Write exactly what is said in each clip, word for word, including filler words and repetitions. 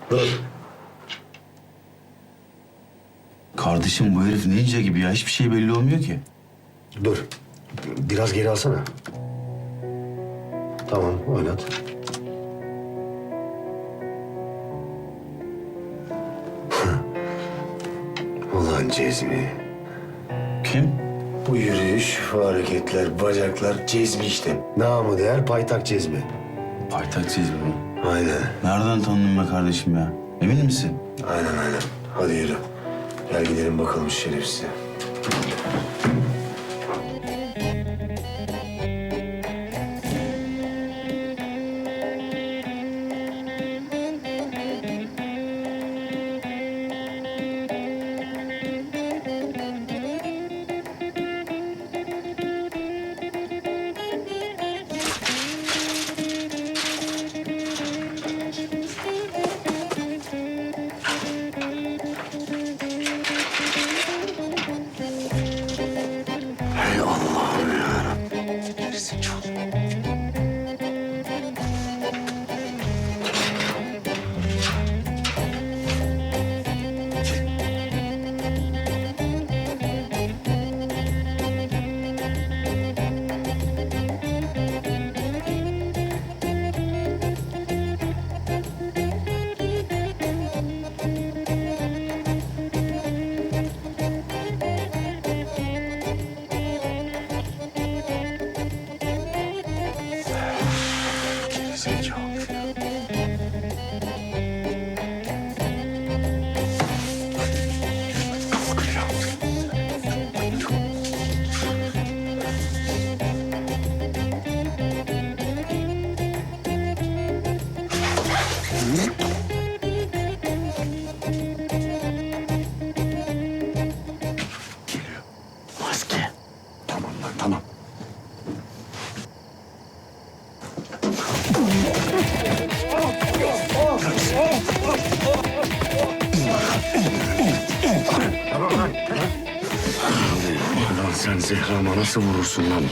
Dur. Kardeşim bu herif ninja gibi ya. Hiçbir şey belli olmuyor ki. Dur. Biraz geri alsana. Tamam, oynat. Ulan Cezmi. Kim? Bu yürüyüş, bu hareketler, bacaklar Cezmi işte. Namı değer paytak Cezmi. Paytak çizgi mi? Aynen. Nereden tanıdın be kardeşim ya? Emin misin? Aynen aynen. Hadi yürü. Gel gidelim bakalım şu şerefsize. Hey Allah'ım yarabbim. Gerizekalı. Gerizekalı. Maske. Tamam lan tamam. Lan sen Zehra'ma nasıl vurursun lan?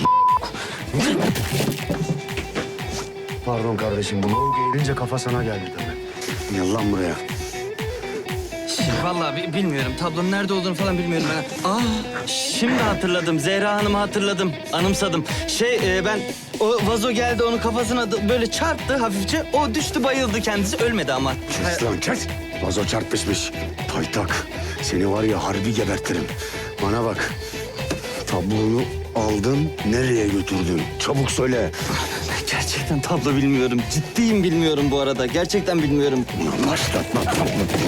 Pardon kardeşim, bu lavuk eğilince kafa sana geldi tabii. Gel lan buraya. Vallahi bi- bilmiyorum. Tablonun nerede olduğunu falan bilmiyorum ben. Aa, şimdi hatırladım. Zehra Hanım'ı hatırladım. Anımsadım. Şey e, ben o vazo geldi onun kafasına da böyle çarptı hafifçe. O düştü bayıldı kendisi. Ölmedi ama. Kes lan kes. Vazo çarpışmış. Paytak. Seni var ya harbi gebertirim. Bana bak. Tabloyu aldın, nereye götürdün? Çabuk söyle. Gerçekten tablo bilmiyorum. Ciddiyim bilmiyorum bu arada. Gerçekten bilmiyorum. Ulan başlatma tablo.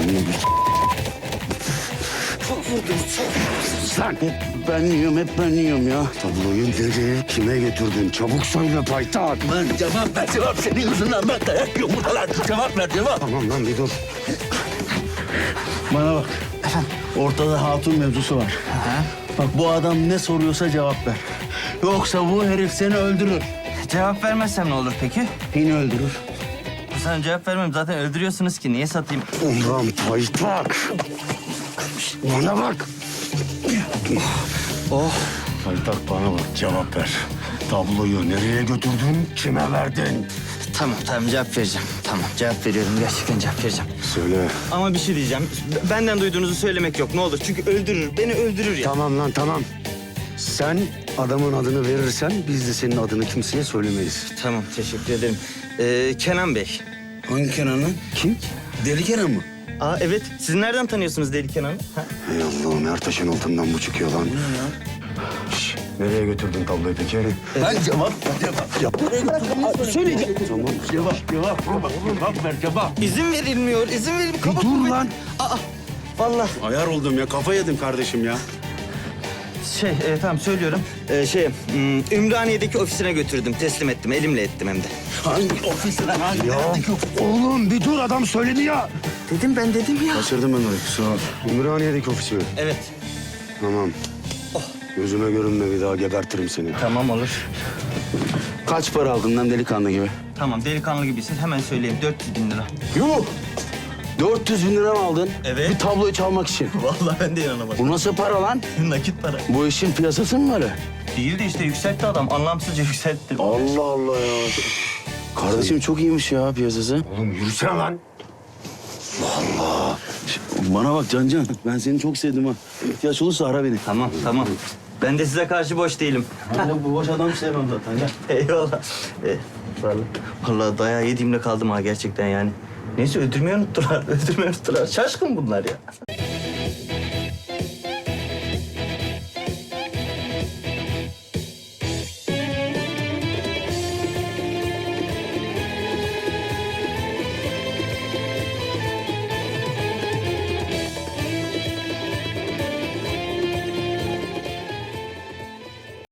Çok vurdum. Çok. Lan hep ben yiyorum, hep ben yiyorum ya. Tabloyu nereye, kime götürdün? Çabuk söyle paytak. Lan cevap ver cevap. Senin yüzünden ben dayak yiyorum buralar. Cevap ver cevap. Tamam lan bir dur. Bana bak. Efendim? Ortada hatun mevzusu var. Ha? Bak bu adam ne soruyorsa cevap ver. Yoksa bu herif seni öldürür. Cevap vermezsem ne olur peki? Yine öldürür. Sana cevap vermem. Zaten öldürüyorsunuz ki. Niye satayım? Ulan paytak. Bana bak. Oh. Paytak bana bak, cevap ver. Tabloyu nereye götürdün, kime verdin? Tamam tamam cevap vereceğim. Tamam cevap veriyorum. Gerçekten cevap vereceğim. Söyle. Ama bir şey diyeceğim. B- Benden duyduğunuzu söylemek yok ne olur. Çünkü öldürür. Beni öldürür ya. Tamam lan tamam. Sen adamın adını verirsen biz de senin adını kimseye söylemeyiz. Tamam teşekkür ederim. Ee, Kenan Bey. Hangi Kenan'ı? Kim? Deli Kenan mı? Aa evet. Siz nereden tanıyorsunuz Deli Kenan'ı? Ha? Ey Allah'ım, her taşın altından bu çıkıyor lan. Şş, nereye götürdün tabloyu peki? Ben cevap ver cevap. Cevap. Söyleyeceğim. Tamam. Cevap cevap. Cevap, cevap ver cevap. İzin verilmiyor. İzin verilmiyor. Bir dur lan. Aa vallahi Ayar oldum ya, kafa yedim kardeşim ya. şey e, tamam söylüyorum. Ee, şey hmm, Ümraniye'deki ofisine götürdüm. Teslim ettim. Elimle ettim hem de. Hangi ofisine hangi? Ya oğlum bir dur, adam söyledi ya. Dedim ben dedim ya. Kaçırdım ben orayı, kusura bak. Ümraniye'deki ofisi mi? Evet. Tamam. Gözüme görünme, bir daha gebertirim seni. Tamam olur. Kaç para aldın lan delikanlı gibi? Tamam delikanlı gibisin. Hemen söyleyeyim. dört yüz bin lira. Yuh! dört yüz bin lira mı aldın? Evet. Bir tabloyu çalmak için. Vallahi ben de inanamadım. Bu nasıl para lan? Nakit para. Bu işin piyasası mı var? Değil de işte yükseltti adam. Anlamsızca yükseltti. Allah Allah ya. Kardeşim çok iyiymiş ya piyasası. Oğlum yürüsene lan. Bana bak Cancan, ben seni çok sevdim ha. İhtiyaç olursa ara beni. Tamam tamam. Ben de size karşı boş değilim. Ben de bu boş adam sevmem zaten ya. Eyvallah. Ee, vallahi, vallahi dayağı yediğimle kaldım ha gerçekten yani. Neyse öldürmeyi unuttular. Öldürmeyi unuttular. Şaşkın bunlar ya.